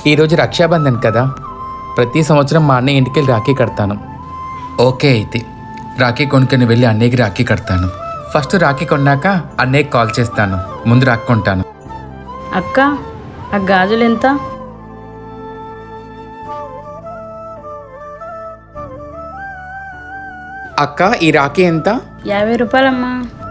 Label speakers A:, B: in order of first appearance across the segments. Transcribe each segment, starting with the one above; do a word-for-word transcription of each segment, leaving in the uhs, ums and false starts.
A: ఈరోజు రక్షాబంధన్ కదా, ప్రతి సంవత్సరం మా అన్నయ్య ఇంటికి వెళ్ళి రాఖీ కడతాను. ఓకే, అయితే రాఖీ కొనుక్కొని వెళ్ళి అన్నయ్యకి రాఖీ కడతాను. ఫస్ట్ రాఖీ కొన్నాక అన్నయ్యకి కాల్ చేస్తాను. ముందు రాఖీ కొంటాను.
B: అక్క, ఆ గాజులు ఎంత?
A: అక్క, ఈ రాఖీ ఎంత?
B: యాభై రూపాయలమ్మా.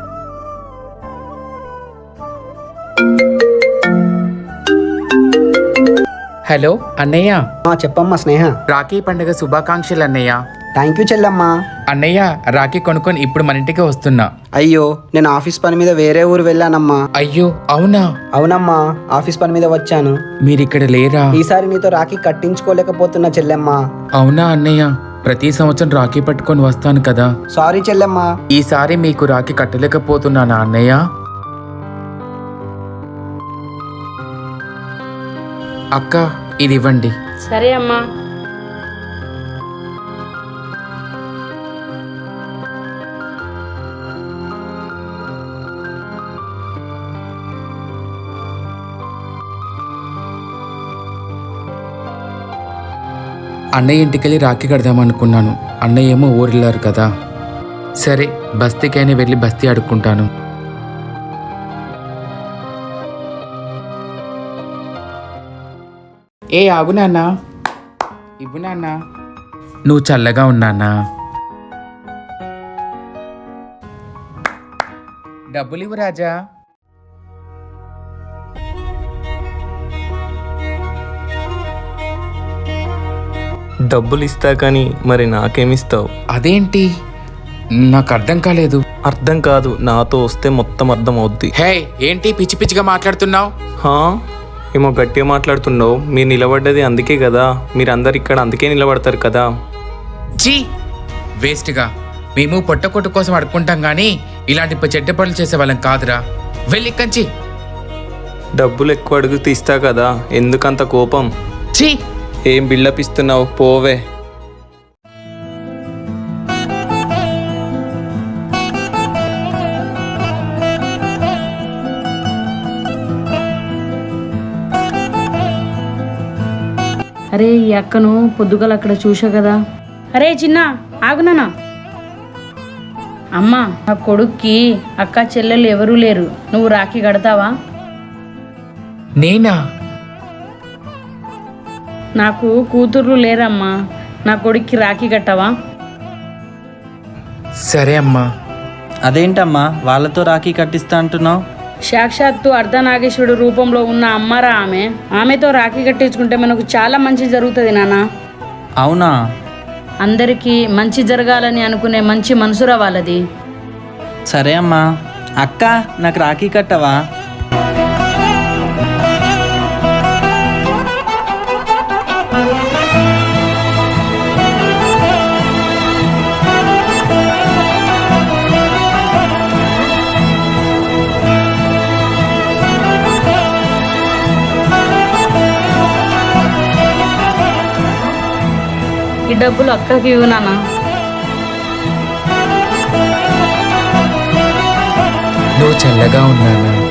A: హలో అన్నయ్య.
C: చెప్పమ్మా స్నేహ.
A: రాఖీ పండుగ శుభాకాంక్షలు అన్నయ్య.
C: థ్యాంక్ యూ చెల్లమ్మా.
A: అన్నయ్య, రాఖీ కొనుక్కొని ఇప్పుడు మన ఇంటికి వస్తున్నా.
C: అయ్యో, నేను ఆఫీస్ పని మీద వేరే ఊరు వెళ్ళానమ్మా.
A: అయ్యో అవునా?
C: అవునమ్మా, ఆఫీస్ పని మీద వచ్చాను.
A: మీరిక్కడ లేరా?
C: ఈసారి నీతో రాఖీ కట్టించుకోలేకపోతున్నా చెల్లెమ్మా.
A: అవునా అన్నయ్య, ప్రతి సంవత్సరం రాఖీ పట్టుకొని వస్తాను కదా.
C: సారీ చెల్లెమ్మా.
A: ఈసారి మీకు రాఖీ కట్టలేకపోతున్నానా అన్నయ్య? అక్క, ఇది ఇవ్వండి.
B: సరే అమ్మా.
A: అన్నయ్య ఇంటికెళ్ళి రాఖీ కడదామనుకున్నాను. అన్నయ్య ఏమో ఊరెళ్ళారు కదా. సరే, బస్తీకైనా వెళ్ళి బస్తీ అడుక్కుంటాను. ఏ ఆగు నాన్న, ఇవ్వు నాన్న. నువ్వు చల్లగా ఉన్నానా? డబ్బులు ఇవ్వు రాజా.
D: డబ్బులు ఇస్తా కానీ మరి నాకేమిస్తావు?
A: అదేంటి, నాకు అర్థం కాలేదు.
D: అర్థం కాదు, నాతో వస్తే మొత్తం అర్థం అవుద్ది.
A: హే, ఏంటి పిచ్చి పిచ్చిగా మాట్లాడుతున్నావు?
D: హా, ఏమో గట్టిగా మాట్లాడుతున్నావు. మీరు నిలబడ్డది అందుకే కదా, మీరు అందరు ఇక్కడ అందుకే నిలబడతారు కదా.
A: జీ వేస్ట్గా. మేము పొట్టకొట్టు కోసం అడుక్కుంటాం కానీ ఇలాంటి చెడ్డ పనులు చేసే వాళ్ళం కాదురా. వెళ్ళి కంచి.
D: డబ్బులు ఎక్కువ అడుగు తీస్తా కదా, ఎందుకంత కోపం?
A: చీ,
D: ఏం బిల్డప్ ఇస్తున్నావు? పోవే.
B: అరే, ఈ అక్కను పొద్దుగల అక్కడ చూసా కదా. అరే చిన్న, ఆగునానా. అమ్మా, నా కొడుక్కి అక్క చెల్లెలు ఎవరూ లేరు, నువ్వు రాఖీ కడతావా?
A: నేనా?
B: నాకు కూతుర్లు లేరమ్మా, నా కొడుక్కి రాఖీ కట్టవా?
A: సరే అమ్మా.
E: అదేంటమ్మా వాళ్ళతో రాఖీ కట్టిస్తా అంటున్నావు?
B: సాక్షాత్తు అర్ధనాగేశ్వరుడు రూపంలో ఉన్న అమ్మారా ఆమె. ఆమెతో రాఖీ కట్టించుకుంటే మనకు చాలా మంచి జరుగుతుంది నాన్న.
E: అవునా?
B: అందరికీ మంచి జరగాలని అనుకునే మంచి మనసురా వాళ్ళది.
E: సరే అమ్మా. అక్క, నాకు రాఖీ కట్టవా?
B: ఈ డబ్బులు అక్కకి ఇవ్వు నాన్న.
A: నువ్వు చల్లగా ఉన్నానా?